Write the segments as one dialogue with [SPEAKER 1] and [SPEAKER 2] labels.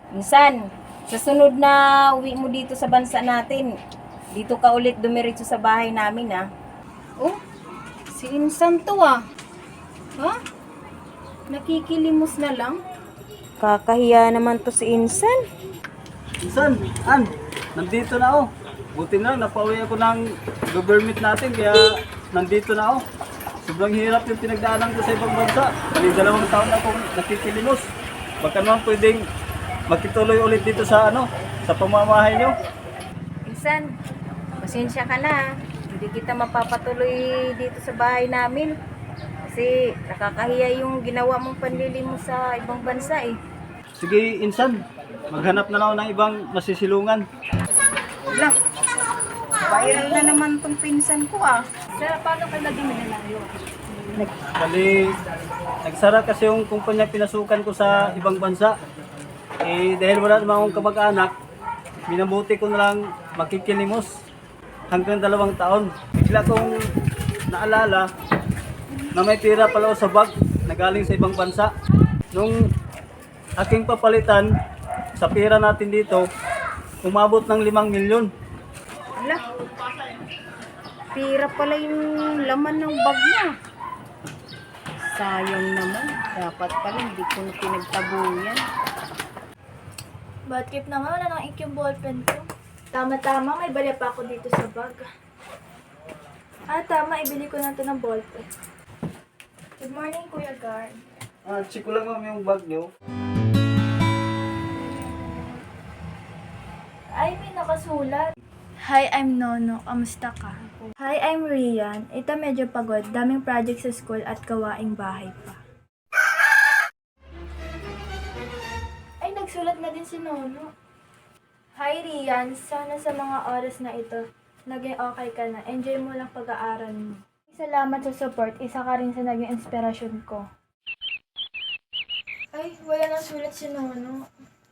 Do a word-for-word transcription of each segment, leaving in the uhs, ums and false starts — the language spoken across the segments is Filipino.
[SPEAKER 1] Minsan, sa sunod na uwi mo dito sa bansa natin, dito ka ulit dumiretso sa bahay namin ah. Oh, si Insan to ah. Ha? Nakikilimos na lang? Kakahiya naman to si Insan.
[SPEAKER 2] Insan, An, nandito na ako. Buti na, napauwi ako ng government natin, kaya nandito na ako. Sobrang hirap yung pinagdaanan ko sa ibang bansa. Bali dalawang taon na akong nakikilimos. Baka naman pwedeng makituloy ulit dito sa ano, sa pamamahay nyo.
[SPEAKER 1] Insan, pasensya ka na ah. Hindi kita mapapatuloy dito sa bahay namin. Kasi nakakahiya yung ginawa mong panlilimos sa ibang bansa eh.
[SPEAKER 2] Sige, Insan, maghanap na lang ako ng ibang masisilungan.
[SPEAKER 1] Wala, viral na naman tong pinsan ko ah.
[SPEAKER 3] Sir, paano kayo naging minalayo?
[SPEAKER 2] Bali, nagsara kasi yung kumpanya pinasukan ko sa ibang bansa. Eh, dahil wala naman akong kamag-anak, minabuti ko na lang makikilimos hanggang dalawang taon. Bigla kong naalala na may pira pala ako sa bag na galing sa ibang bansa. Nung aking papalitan sa pira natin dito, umabot ng limang milyon.
[SPEAKER 1] Wala, pira pala yung laman ng bag niya. Sayang naman. Dapat pala hindi ko na pinagtabuyan.
[SPEAKER 3] Bad trip naman, wala nang ink yung ballpen ko. Tama-tama, may bali pa ako dito sa bag. Ah, tama, ibili ko na ito ng ballpen. Good morning, Kuya Guard.
[SPEAKER 2] Ah, check ko lang ma'am yung bag nyo.
[SPEAKER 3] Ay, may nakasulat. Hi, I'm Nono. Kamusta ka? Hi, I'm Rian. Ito medyo pagod. Daming project sa school at gawaing bahay pa. Ay, nagsulat na din si Nono. Hi, Rian. Sana sa mga oras na ito, naging okay ka na. Enjoy mo lang pag-aaral mo. Salamat sa support. Isa ka rin sa naging inspirasyon ko. Ay, wala nang sulat si Nono.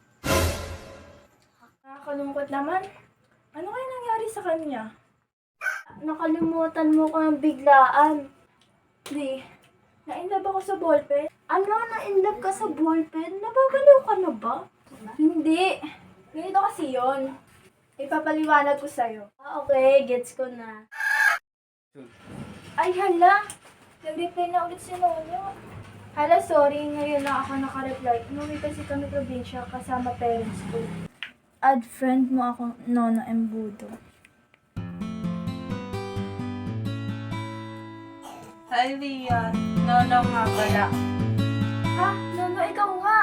[SPEAKER 3] Nakakalungkot naman. Ano kaya nangyari sa kanya? Nakalimutan mo ko ng biglaan. Di, na-inlove ako sa ballpen. Ano, na-inlove ka sa ballpen? Nababaliw ka na ba? Hindi. Ganito kasi yon. Ipapaliwanag ko sa'yo. Ah, okay. Gets ko na. Ay, hala. Nag-reply na ulit si Nono. Hala, sorry. Ngayon na ako nakareply. Umuwi kasi kami probinsya kasama parents ko. Add friend mo ako, Nono Embudo.
[SPEAKER 4] Hi, Rian. Nono nga pala.
[SPEAKER 3] Ha? Nono, ikaw nga.